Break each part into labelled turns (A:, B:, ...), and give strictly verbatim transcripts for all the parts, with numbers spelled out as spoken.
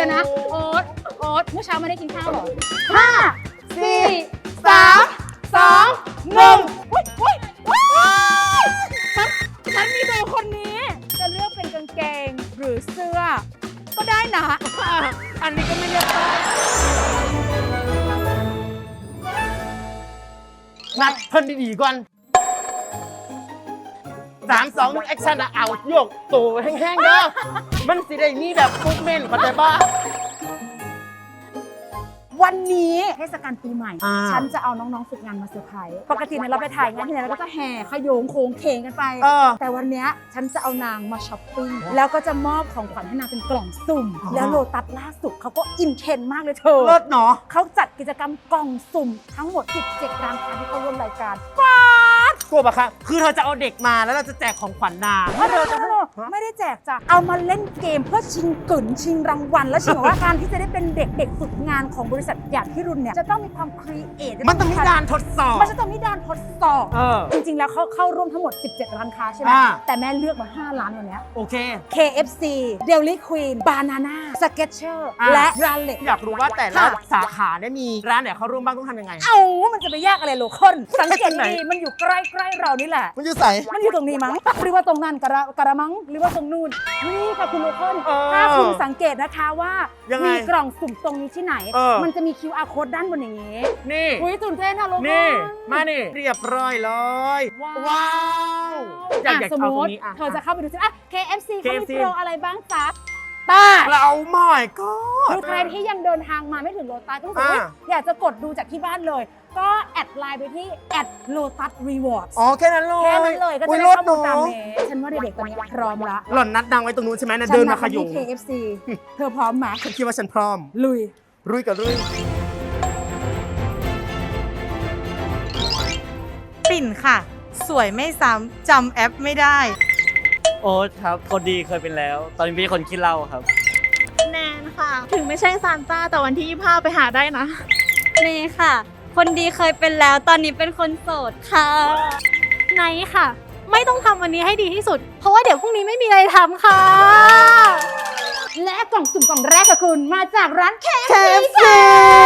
A: ดี๋ยวนะโอ๊ตโอ๊ตเมื่อเช้าไม่ได้กินข้าวหรอ
B: ห้าสี่สามสองหนึ่ง
A: อุ้ยอุ้ยอุ้ยฉันฉันมีดูคนนี้จะเลือกเป็นกางเกงหรือเสื้อก็ได้นะ
B: อันนี้ก็ไม่เรียกป้ายนัดเพิ่นดีๆก่อนสามสองหนึ่งแอคชั่นอะเอาโยกตัวแห้งๆเด้อมันสิได้มีแบบฟุกเมนเข้าใจป่ะ
A: วันนี้เทศกาลปีใหม่
B: อ่า
A: ฉันจะเอาน้องๆฝึกงานมาเซอร์ไพรส์ปกติเนี่ยเราไปถ่ายงานที่ไหนเราก็จะแห่ขโยงโคงเคงกันไป
B: เออ
A: แต่วันเนี้ยฉันจะเอานางมาช้อปปิ้งแล้วก็จะมอบของขวัญให้นางเป็นกล่องสุ่ม
B: อ๋อ
A: แล้วโลตัสล่าสุดเขาก็อินเทรนด์มากเลยเธอ
B: เลิศเนาะ
A: เขาจัดกิจกรรมกล่องสุ่มทั้งหมดสิบเจ็ดร้านค้าที่เข้าร่วมรายการป๊าด
B: กลัวปะคะคือเธอจะเอาเด็กมาแล้วเราจะแจกของขวัญนาง
A: ไม่ได้ไม่ได้แจกจ้ะเอามาเล่นเกมเพื่อชิงกึ่นชิงรางวัลแล้วชิงว่าการที่จะได้เป็นเด็กเด็กฝึกงานของบริษัทอย่างพี่รุ่นเนี่ยจะต้องมีความครีเอท
B: มันต้องมีด่านทดสอบ
A: มันจะต้องมีด่านทดสอบ
B: เออ
A: จริงๆ แล้วเขาเข้าร่วมทั้งหมด สิบเจ็ด ร้านค้าใช่ไหม
B: อ่า
A: แต่แม่เลือกมา ห้า ร้านวันเนี้ย
B: โอเค
A: เค เอฟ ซี Dairy Queen Banana Skechers
B: อ่า
A: และ Raleigh
B: อยากรู้ว่าแต่ละ
A: ค่ะ
B: สาขาเนี่ยมีร้านไหนเขาร่วมบ้างต้องทำยังไง
A: เอ้ามันจะไปยากอะไรโลคนสังเกต
B: ไหน
A: ดีมันอยู่ใกล้ๆเรานี่แหละ
B: มันอยู่ใส่
A: มันอยู่ตรงนี้มั้งหรือว่าตรงนั้นกระกระมังหรือว่าตรงนู่นนี่ค่ะคุณโลคน
B: เออ
A: ถ้าคุณสังเกตนะคะว่า
B: ยังไง
A: มีกล่องสุ่มตรงนี้ที่ไหน
B: เออ
A: มันจะมี คิว อาร์ code ด้านบนอย่างนี้
B: นี่
A: อุ้ยตื่นเต้นนะโลคน
B: นี่ มานี่ เรียบร้อยเลย
A: ว้าว
B: ว้าวอยากอยาก
A: สม
B: เอา
A: ม
B: ตรง
A: ติ
B: นี้อ่ะ
A: เธอจะเข้าไปดูซิอ่ะ เค เอฟ ซี เขามี
B: เค เอฟ ซี
A: โปรอะไรบ้างจ๊ะตา
B: เราหม่อยก็
A: คือใครที่ยังเดินทางมาไม่ถึงโลตัสต้องรู้สึกว่า
B: อ่า
A: อยากจะกดดูจากที่บ้านเลย ก็แอดไลน์ไปที่แอดโลตัสรีวอร์ด
B: อ๋อแค่นั้นเลย
A: แค่นั้นเลยก็จะ
B: อุ๊
A: ได้
B: รถ
A: ข้อมูลตาม
B: เนาะ
A: นี้ฉันว่าเด็กๆตอนนี้พร้อมละ
B: หล่อนนัดดังไว้ตรงนู้นใช่ไหมนะ
A: ฉั
B: เดิน
A: นั
B: มา
A: ด
B: ข
A: ไป
B: ยุ
A: ที่
B: ง
A: เค เอฟ ซี เธอพร้อมไหม
B: ฉันคิดว่าฉันพร้อม
A: ลุย
B: รุยกับรุย
C: ปิ่นค่ะ สวยไม่ซ้ำจำแอปไม่ได้
D: โอ๊ตครับคนดีเคยเป็นแล้ว ตอนนี้เป็นคนขี้เหล้าครับ
E: แนนค่ะ ถึงไม่ใช่ซานต้าแต่วันที่ยี่สิบห้าไปหาได้นะ
F: เมย์ค่ะ คนดีเคยเป็นแล้วตอนนี้เป็นคนโสดค่ะ
E: ไนท์ค่ะ ไม่ต้องทำวันนี้ให้ดีที่สุด เพราะว่าเดี๋ยวพรุ่งนี้ไม่มีอะไรทำค่ะ
A: และกล่องสุ่มกล่องแรกค่ะคุณมาจากร้าน เค เอฟ
B: เค
A: ซี
B: เอฟ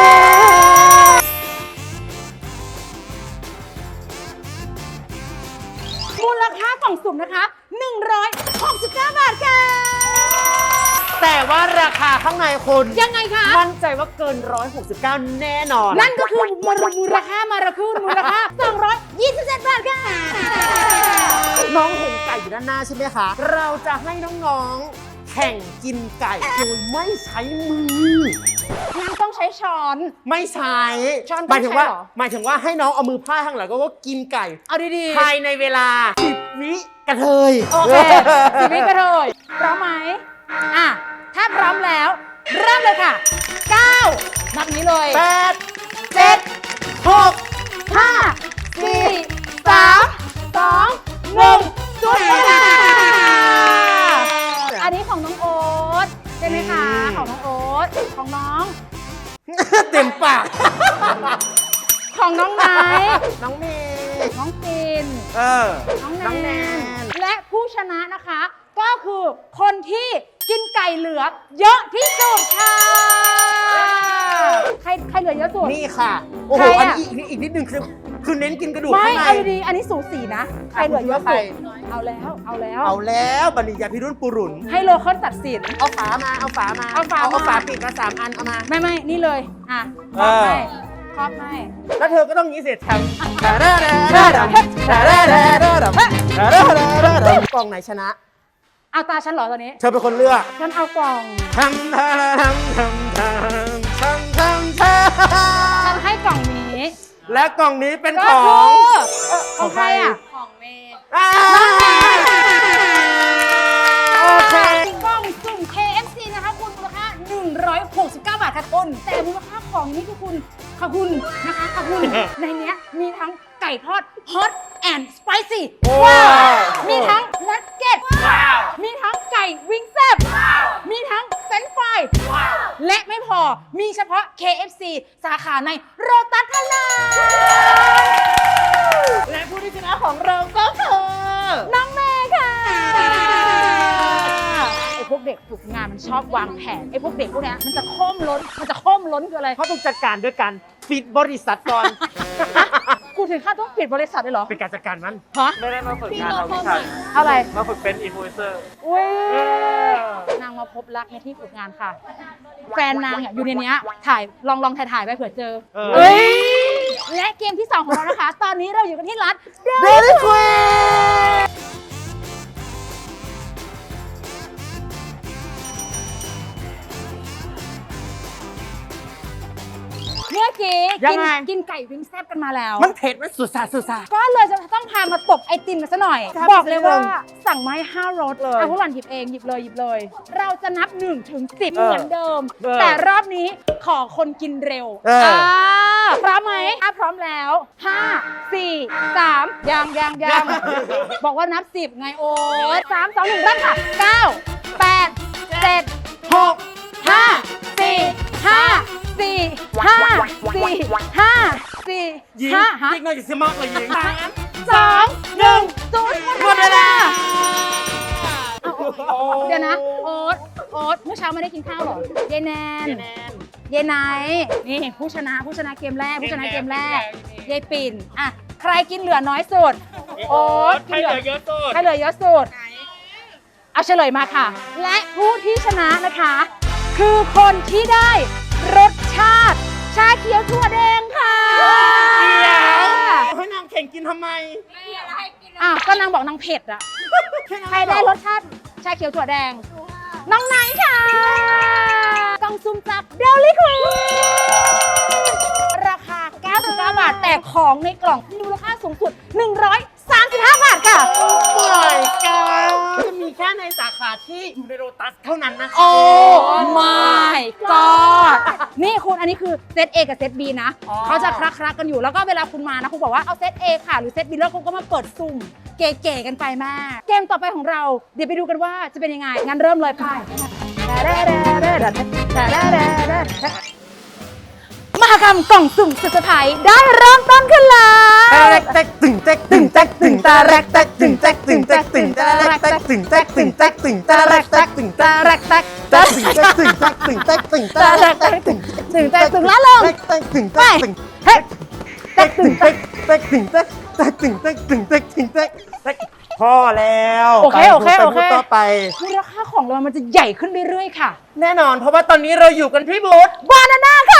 B: ซี
A: มูลค่ากล่องสุ่มนะคะหนึ่งร้อยหกสิบเก้า บาทค่ะ
B: แต่ว่าราคาข้างในคุณ
A: ยังไงคะ
B: มั่นใจว่าเกินหนึ่งร้อยหกสิบเก้าแน่นอน
A: นั่นก็คือมูลมูลค่ามาราคูนมูลค่าสองร้อยยี่สิบเจ็ด บาทค่ะ
B: น้องเห็นไก่อยู่ด้านหน้าใช่ไหมคะ เราจะให้น้องๆ แข่งกินไก่โดยไม่ใช้มือ
A: งั้นต้องใช้ช้อน
B: ไม่ใช้
A: ช้อน
B: หมายถึงว่า
A: ต้องใช้เหรอ
B: หมายถึงว่าให้น้องเอามือพาดข้างหลังก็กินไก่
A: เอาดี
B: ภายในเวลาสิบวิกระเทย
A: ๆ โอเคสิบวิกระเทยพร้อมไหมอ่ะ ถ้าพร้อมแล้ว เริ่มเลยค่ะเก้านับนี้เลย
B: แปด
A: เจ็ด
B: หก
A: ห้าสี่สามสองหนึ่งจุดเวลาอันนี้ของน้องโอ๊ตใช่ไหมคะ ของน้องโอ๊ตของน้อง
B: เต็มปาก
A: ของน้องไนท์
B: น้องเมย์
A: น้องปิน
B: เออ
A: น้องแน
B: น้องแน
A: น
B: น
A: และผู้ชนะนะคะ ก็คือคนที่กินไก่เหลือเยอะที่สุดค่ะ ใครใครเหลือเยอะสุด
B: นี่ค่ะ โอ้โห
A: ใครอะ
B: อันนี้อีกนิดอีกนิดนึงคือคือเน้นกินกระดูก
A: ไม่
B: ข้างใน
A: เอาดีๆอันนี้สูสีนะ ใครเหลือเยอะ
B: ใคร
A: สุดเอาแล้ว เอาแล้ว
B: เอาแล้วบันิยาพิรุณปุรุน
A: ให้โลคอนตัดสิน
B: เอาฝามา เอาฝามา
A: เอาฝา
B: เอา
A: มา
B: ฝาปิดมาสามอัน เอามา
A: ไม่ไม่นี่เลย อ่ะครอบให้ครอบให้
B: แล้วเธอก็ต้องงี้เสร็จทำกล่องไหนชนะ
A: เอาตาฉันเหรอตอนนี้
B: เธอเป็นคนเลือก
A: ฉันเอากล่อง
B: ทำทำทำทำทำทำทำท
A: ฉันให้กล่องนี้
B: ำและกล่องนี้เป็น
A: ก็
B: ขอ
A: คื
B: ง
A: อของใครอ่ะ
F: ของเมย์
B: อ่าโอเค
A: กล่องสุ่ม เค เอฟ ซี นะคะคุณมูลค่าหนึ่งร้อยหกสิบเก้า บาทค่ะคุณแต่มูลค่าของนี้คือคุณค่ะคุณนะคะค่ะคุณ ในเนี้ยมีทั้งไก่ทอด hot and spicy
B: ว้าว
A: มีทั้งนักเก็ตมีทั้งไก่วิงแซ่บมีทั้งเฟรนช์ฟรายและไม่พอมีเฉพาะ เค เอฟ ซี สาขาในโรตัสเท่านั้น
B: และผู้ที่ชนะของเราก็คือ
A: น้องเมย์ค่ะ
B: ไอ้
A: พวกเด็กฝึกงานมันชอบวางแผนไอ้พวกเด็กพวกเนี้ยมันจะโค้มล้นมันจะโค้มล้นคืออะไร
B: เขาต้องจัดการด้วยการปิดบริษัทก่อน
A: กูถึงขั้นต้องปิดบริษัทเลยเหรอ
B: เป็นการจัดการมัน
A: ฮะ
D: ไม่ได้มาฝึกงานเราพี่ชาย
A: อะไร
D: มาฝึกเป็นอินฟลูเอนเซอร์
A: อุ้ยนางมาพบรักในที่ฝึกงานค่ะ แฟนนางเนี่ยอยู่ในเนี้ยถ่ายลองลองถ่ายถ่ายไปเผื่อเจอ
B: เออ
A: เอ้ยและเกมที่สองของเรานะคะ ตอนนี้เราอยู่กันที่ร้าน
B: Dairy Queen
A: เมื่อกี้
B: ยั
A: กิ
B: งไง
A: กินไก่วิงแซบกันมาแล้ว
B: มันเผ็ดมันสุดสาสุดสา
A: ก็เลยจะต้องพามาตบไอติมกันซะหน่อย
B: ครับ
A: บอกเลยว่าสั่งมาให้ห้ารส
B: เลย
A: เอาพวกหล่อนหยิบเองหยิบเลยหยิบเลย เราจะนับหนึ่งถึงสิบ
B: เออ
A: เหมือนเดิม
B: เออ
A: แต่รอบนี้ขอคนกินเร็ว
B: เอออ่
A: าพร้อมไหมถ้าพร้อมแล้วห้าสี่สามยังยังยังบอกว่านับสิบไงโอ๊ตสามสองหนึ่งเริ่มค่ะเก้าแปดเจ็ดหกห้าสี่ห้าสี่ห้าสี่ห้าสี่
B: ยิง
A: ห้าฮะ
B: ยิงหน่อยจะเสียมากเลยยิง
A: สามสองหนึ่งศูนย์หมดเวลาเดี๋ยวนะ โอ๊ตโอ๊ตเมื่อเช้าไม่ได้กินข้าวเหรอยายแนนยายไนท์นี่ผู้ชนะผู้ชนะเกมแรกผู้ชนะเกมแรกยายปิ่นอ่ะใครกินเหลือน้อยสุด โอ๊ตกินเหลือเยอะสุดใครเหลือเยอะสุดเอาเฉลยมาค่ะ และผู้ที่ชนะนะคะ คือคนที่ได้รสชาติชาเขียวถั่วแดงค่ะ
B: เดี๋ยวให้นางแข่งกินทำไม
A: อ่ะก็นางบอกนางเผ็ดอ่ะ ใครได้รสชาติชาเขียวถั่วแดง น้องไนท์ค่ะกล่องซุ่มจากเดลิคูราคา เก้าสิบเก้า บาท แต่ของในกล่องมีมูลค่าสูงสุด หนึ่งร้อยสามสิบห้า บาทค่ะ
B: ปล่อยกันจะมีแค่ในสาขาที่อยู่ในโรตัสเท่านั้นนะคะ
A: โอ้ my god นี่คุณอันนี้คือเซต A กับเซต B นะ
B: อ๋อ
A: เขาจะคลักๆกันอยู่แล้วก็เวลาคุณมานะ คุณบอกว่าเอาเซต A ค่ะ หรือเซต B แล้วคุณก็มาเปิดซุ่ม เก๋ๆกันไปมาก เกมต่อไปของเรา เดี๋ยวไปดูกันว่าจะเป็นยังไง งั้นเริ่มเลยค่ะมหกรรมกล่องสุ่มสุดเซอร์ไพรส์ได้เริ่มต้นขึ้นแล้ว
B: ตาแรกแตกตึงแตกตึงแตกตึงตาแรกแตกตึงแตกตึงแตกตึงตาแรกแตกตึงแตกตึงแตกตึงตาแรกแตกตึงตาแรกแตกแตกตึงแตกตึงแตกตึงแตกตึงตาแรกแตกตึง
A: ถึงแต่ถึงแล้วลง
B: แตกแตกตึงแตกตึง
A: เฮ้ย
B: แตกตึงแตกแตกตึงแตกแตกตึงแตกตึงแตกตึงแตกแตกพอแล้ว
A: โอเคโอเค
B: ไป
A: โอเค
B: พูดต่อไป
A: มูลค่าของเรามันจะใหญ่ขึ้นเรื่อยๆค่ะ
B: แน่นอนเพราะว่าตอนนี้เราอยู่กันที่บูธ
A: บานาน่าค่ะ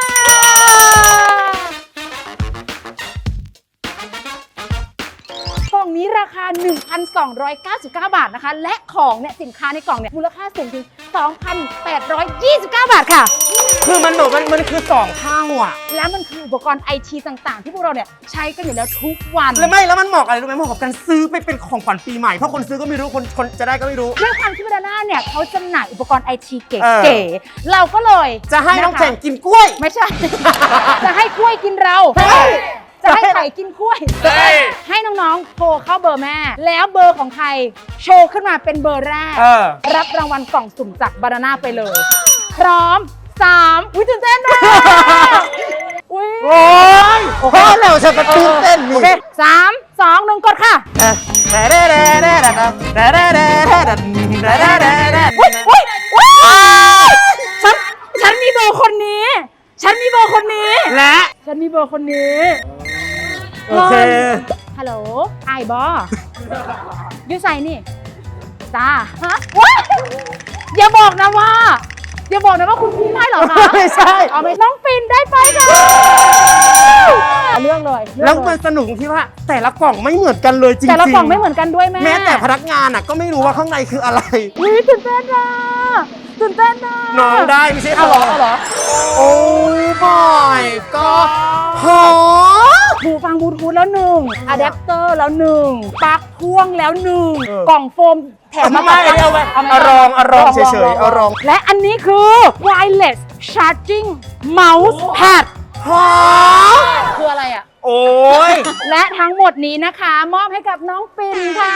A: กล่องนี้ราคา หนึ่งพันสองร้อยเก้าสิบเก้า บาทนะคะ และของเนี่ยสินค้าในกล่องเนี่ยมูลค่าสูงถึง สองพันแปดร้อยยี่สิบเก้า บาทค่ะ
B: คือมันแบบมันมันคือสองเท่าอ่ะ
A: และมันคืออุปกรณ์ไอทีต่างๆ ที่พวกเราเนี่ยใช้กันอยู่แล้วทุกวัน
B: แล้วไม่แล้วมันเหมาะอะไรรู้ไหมเหมาะกับการซื้อไปเป็นของขวัญปีใหม่เพราะคนซื้อก็ไม่รู้คนคนจะได้ก็ไม่รู้
A: ด้วยความที่บานาน่าเนี่ยเขาจำหน่ายอุปกรณ์ไอทีเ
B: เอ
A: ก๋
B: อ
A: ๆเราก็เลย
B: จะให้น้อง
A: ะคะ
B: แข่งกินกล้วย
A: ไม่ใช่ จะให้กล้วยกินเรา
B: เฮ้ย
A: จะให้ไข่กินกล้วย
B: เฮ้ย
A: ให้น้องๆ โทรเข้าเบอร์แม่ แล้วเบอร์ของใครโชว์ขึ้นมาเป็นเบอร์แรก
B: เออ
A: รับรางวัลกล่องสุ่มจากบานาน่าไปเลย พร้อมสามอุ้ยตื่นเต้นนะอุ้ย
B: โอ้ยพอแล้วฉันก็ตื่นเต้น
A: โอ
B: นี่
A: เคสามสองหนึ่งกดค่ะ
B: แต่เด้เด้เด้เด้เด้เด้เด้เด้เด้เด้เด้เด้เด้
A: อุ้ยอุ้ยอุ้ยฉันฉันมีเบอร์คนนี้ ฉันมีเบอร์คนนี้
B: และ
A: ฉันมีเบอร์คนนี้
B: โอเค
A: ฮัลโหลไอ้บอยูใส่นี่จ้าฮะว้ายอย่าบอกนะว่า อย่าบอกนะว่าคุณพี่ไม่เหรอคะ
B: ไม่ใช่
A: เอาไปน้องปิ่นได้ไปค่ะเรื่องเลยเรื่อง
B: แล้ว
A: เย
B: มันสนุกที่ว่าแต่ละกล่องไม่เหมือนกันเลยจริงๆ
A: แต่ละกล่องไม่เหมือนกันด้วยแม่
B: แม้แต่พนักงานอ่ะก็ไม่รู้ว่าข้างในคืออะไร
A: อุ้ยตื่นเต้นอ่ะตื่นเต้นอ่ะ
B: น้องได้ไม่ใช่
A: เอาเหรอเอาเหรอ
B: โอ้ยบอยก็หอ
A: หูฟังบลูทูธแล้วหนึ่งอะแดปเตอร์แล้วหนึ่งปลั๊กพ่วงแล้วหนึ่ง
B: เออ
A: กล่องโฟมแถมมา
B: ไม่ไม่เอาไว้
A: เอา
B: เอารองเอารองเฉยๆเอารอง
A: และอันนี้คือ wireless charging mouse pad
B: หอ
A: คืออะไรอ่ะ
B: โอ้ย
A: และทั้งหมดนี้นะคะ มอบให้กับน้องปิ่นค่ะ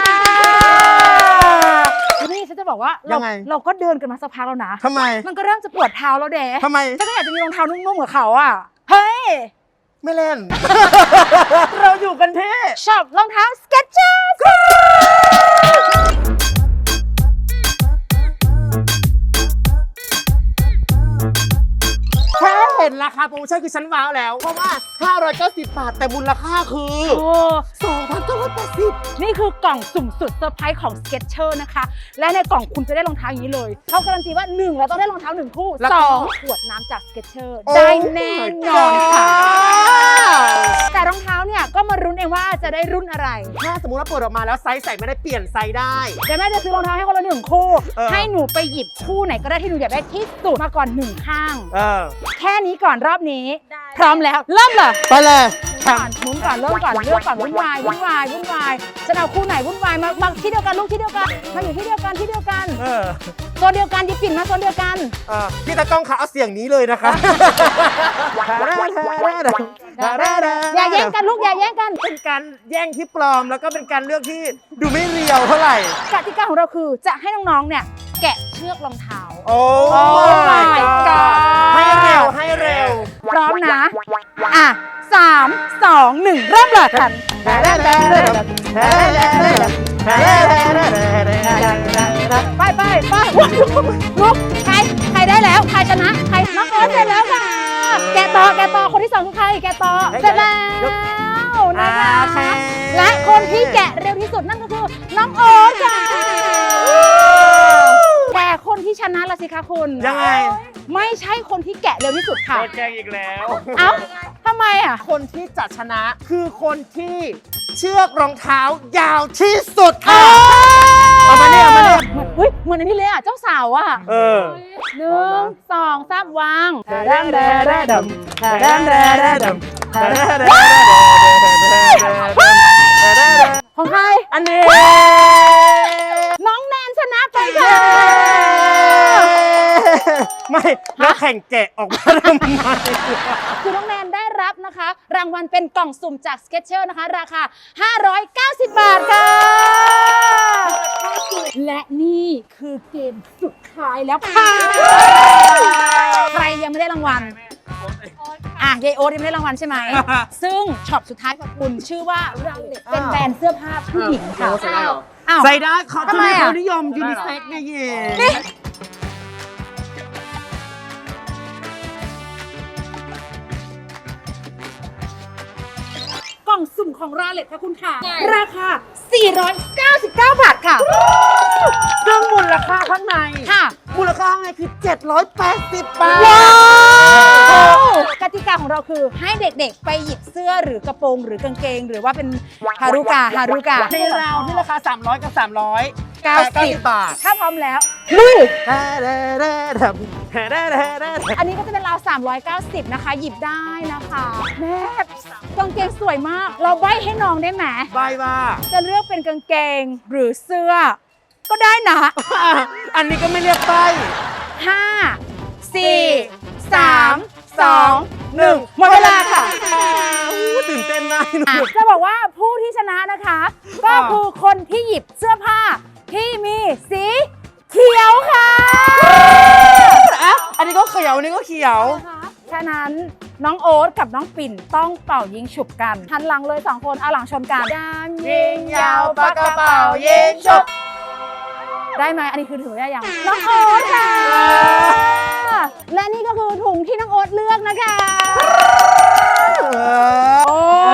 A: นี่ฉันจะบอกว่าเราเราก็เดินกันมาสักพักแล้วนะ
B: ทำไม
A: มันก็เริ่มจะปวดเท้าแล้วเด๋
B: ทำไม
A: ฉันก็อยากจะมีรองเท้านุ่มๆกับเขาอ่ะ เฮ้ย
B: ไม่เล่น เราอยู่กันที่
A: ชอบรองเท้า Skechers
B: ห็นราคาโปรโมชั่นคือฉันว้าวแล้ว เพราะว่า ห้าร้อยเก้าสิบบาท แต่มูลค่าคือ
A: โอ้
B: สองพันเก้าร้อยแปดสิบ
A: นี่คือกล่องสุ่มสุดเซอร์ไพรส์ของ Skechers นะคะ และในกล่องคุณจะได้รองเท้าอย่างนี้เลยเขาการันตีว่าหนึ่งเราต้องได้รองเท้าหนึ่งคู่สองขวดน้ำจาก Skechers ได้แน่นอนค่ะ แต่รองเท้าเนี่ยก็มารุ้นเองว่าจะได้รุ่นอะไร
B: ถ้าสมมติว่าเปิดออกมาแล้วไซส์ใส่ไม่ได้เปลี่ยนไซส์ได้
A: เดี๋ยวแม่จะซื้อรองเท้าให้คนละหนึ่งคู่
B: เออ
A: ให้หนูไปหยิบคู่ไหนก็ได้ที่หนูอยากได้ที่สุดมาก่อนหนึ่งข้าง
B: เออ
A: แค่นี้ก่อนรอบนี้ พร้อมแล้วเริ่มเลย
B: ไปเลย
A: ก่อนหมุนก่อนเริ่มก่อนเลือกก่อนวุ่นวายวุ่นวายวุ่นวายจะเอาคู่ไหนวุ่นวายมามาที่เดียวกันลูกที่เดียวกันมาอยู่ที่เดียวกันที่เดียวกัน
B: เออ
A: โซนเดียวกันยิบปิ่นมาโซนเดียวกัน
B: เออพี่ตากล้องคะเอาเสียงนี้เลยนะคะ
A: อย่าแย่งกันลูกอย่าแย่งกัน
B: เป็นการแย่งที่ปลอมแล้วก็เป็นการเลือกที่ดูไม่เรียวเท่าไหร่
A: กติกาของเราคือจะให้น้องๆเนี่ยแกะเชือกรองเท้า
B: โอ้
A: my god
B: ให้เร็วให้เร็ว
A: พร้อมนะอ่ะสามสองหนึ่งเริ่มเลยกันไปไปไปลุกใครใครได้แล้วใครชนะใครน้องโอ๊ตเสร็จแล้วค่ะแกะต่อแกะต่อคนที่สองคือใครแกะต่อเสร็จแล้วนะคะและคนที่แกะเร็วที่สุดนั่นก็คือน้องโอ๊ตค่ะแต่คนที่ชนะละสิคะคุณ
B: ยังไง
A: ไม่ใช่คนที่แกะเร็วที่สุดค่ะ
D: โดนแกล้งอีกแล้ว
A: เอ้าทำไมอ่ะ
B: คนที่จะชนะคือคนที่เชือกรองเท้ายาวที่สุดค่ะเอามาเนี่ยเอามาเนี่ย
A: เหมือนเฮ้ยเหมือนอันนี้เลยอ่ะ เจ้าสาวอ่ะ
B: เออ
A: หนึ่งสองสามวางของใคร
B: อันนี้
A: น้องแนนชนะไปค่ะ
B: ไม่แล้วแข่งแกะออกมาทำไม
A: คือน้องแนนได้รับนะคะ รางวัลเป็นกล่องสุ่มจาก Skechers นะคะ ราคา ห้าร้อยเก้าสิบ บาทค่ะ และนี่คือเกมสุดท้ายแล้วค่ะ ใครยังไม่ได้รางวัล อ่ะยายโอ๊ตยังไม่ได้รางวัลใช่ไหม ซึ่งช็อปสุดท้ายของคุณชื่อว่ารังเล็กเป็นแบรนด์เสื้อผ้าผู้หญิงค่ะอ้าว
B: ใส่ได้เขา
A: ทำ
B: จะ
A: ไม
B: มี
A: อ่ะ
B: เขานิยมยูนิเซ็กซ์ไงเย่
A: นี่กล่องสุ่มของราเล็ตค่ะคุณค่ะ ราคา สี่ร้อยเก้าสิบเก้า บาทค่ะ
B: ซึ่งมูลค่าข้างใน
A: ค่ะ
B: มูลค่าข้างในคือ เจ็ดร้อยแปดสิบบาท
A: ว้าวกติกาของเราคือให้เด็กๆ ไปหยิบเสื้อหรือกระโปรงหรือกางเกง หรือว่าเป็นฮารุกาฮารุกา
B: ในราวที่ราคา สามร้อย กับ สามร้อย
A: เก้าสิบ
B: บาท
A: ถ้าพร้อมแล้วลุย อันนี้ก็จะเป็นราว สามร้อยเก้าสิบ นะคะ หยิบได้นะคะ แม่กางเกงสวยมาก เราใบ้ให้น้องได้ไหม
B: บายว่า
A: จะเลือกเป็นกางเกงหรือเสื้อ ก็ได้นะ
B: อันนี้ก็ไม่เรียกไป
A: ห้า สี่ สาม สอง หนึ่งหมดเวลาค่ะ
B: อู้ตื่นเต้นมากหนู
A: อ่ะจะบอกว่าผู้ที่ชนะนะคะ ก็คือคนที่หยิบเสื้อผ้าที่มีสีเขียวค่ะ
B: อ่ะอันนี้ก็เขียวอันนี้ก็เขียว
A: ฉะนั้นน้องโอ๊ตกับน้องปิ่นต้องเป่ายิงฉุบกันหันหลังเลยสองคนเอาหลังชนกันยามยิงยาวปากกระเป๋ายิงฉุบได้ไหมอันนี้คือถือได้ยังน้องโอ๊ตค่ะ และนี่ก็คือถุงที่น้องโอ๊ตเลือกนะคะ โอ้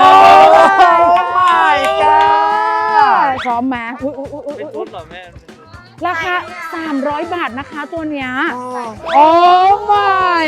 B: my god
A: พร้อมไหมอุ๊ยอุ๊ยอุ๊ยอุ๊ย
D: เป็น
A: อุ๊
D: ชุ
A: ย
D: ดเหรอแม่
A: ราคา สามร้อย บาทนะคะตัวเนี้ย โอ้ my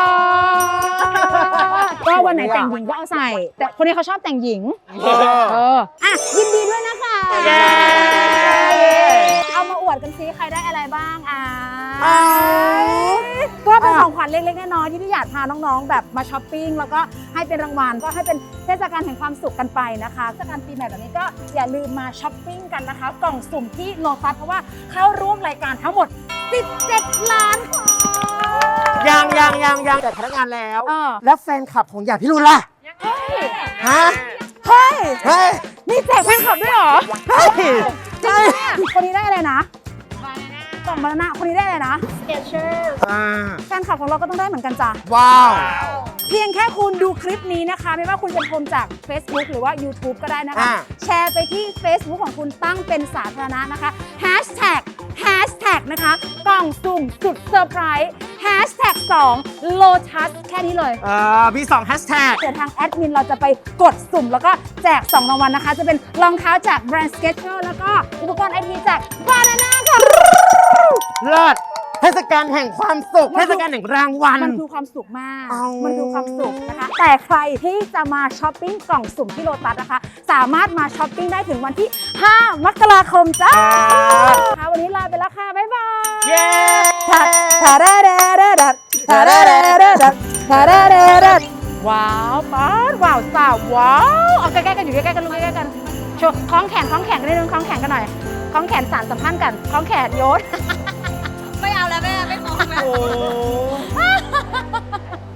A: god ก็วันไหนแต่งหญิงก็เอาใส่ แต่คนนี้เขาชอบแต่งหญิง
B: เออ
A: เออ อ่ะ ยินดีด้วยนะคะ
B: เย้
A: เอามาอวดกันซิใครได้อะไรบ้างอ่ะ
B: เอา
A: ก็เป็นของขวัญเล็กๆน้อยๆที่พี่อยากพาน้องๆ แบบมาช้อปปิ้งแล้วก็ให้เป็นรางวัลก็ให้เป็นเทศกาลแห่งความสุขกันไปนะคะเทศกาลปีใหม่แบบนี้ก็อย่าลืมมาช้อปปิ้งกันนะคะ กล่องสุ่มที่โลตัสเพราะว่าเข้าร่วมรายการทั้งหมด สิบเจ็ด ล้านค่ะ
B: ยังยังยังยังแต่พนักงานแล้ว
A: เออ
B: แล้วแฟนคลับของหยาดพี่รุนล่ะ
A: เฮ้ย
B: ฮะ
A: เฮ้ย
B: เฮ้ย
A: นี่แจกแฟนคลับด้วยเหรอ
B: เฮ้ย
A: จริงปะเนี่ยคนนี้ได้อะไรนะกล่องบานาน่าคนนี้ได้อะไรนะ
B: อ่า
A: แฟนคลับของเราก็ต้องได้เหมือนกันจ้ะ
B: ว้าว
A: เพียงแค่คุณดูคลิปนี้นะคะ ไม่ว่าคุณจะชมจาก Facebook หรือว่า YouTube ก็ได้นะคะ
B: อ่า
A: แชร์ไปที่ Facebook ของคุณตั้งเป็นสาธารณะนะคะ Hashtag Hashtag นะคะ กล่องสุ่มสุดเซอร์ไพรส์ Hashtag สอง Lotus แค่นี้เลย
B: เอ่อ บี สอง แฮชแท็ก
A: เดี๋ยวทางแอดมินเราจะไปกดสุ่มแล้วก็แจกสองรางวัลนะคะ จะเป็นรองเท้าจากแบรนด์ Skechers แล้วก็อุปกรณ์ไอทีจาก Banana ค่ะ
B: เลิศเทศกาลแห่งความสุข
A: มั
B: เท
A: นคือ
B: ศกาลแห่งรางวัล
A: มันคือความสุขมาก
B: เอามั
A: มันคือความสุขนะคะ แต่ใครที่จะมาช้อปปิ้งกล่องสุ่มที่โลตัสนะคะ สามารถมาช้อปปิ้งได้ถึงวันที่ ห้ามกราคมจ้าค่ะวันนี้ลาไปแล้วค่ะ บ๊ายบาย
B: เย้
A: ทัดทาราเดเดดัดทาราเดเดดัดทาราเดเดดัดว้าวป๊าดว้าวสาวว้าวเอาใกล้ๆกันอยู่ใกล้ๆกันลูกใกล้ๆกันโชว์คล้องแขนคล้องแขนกันนิดนึงคล้องแขนกันหน่อยคล้องแขนสารสัมพันธ์กันคล้องแขนโยน
F: ไม่เอาแล้วแม่ ไม่ฟ้องแล้ว
B: โอ้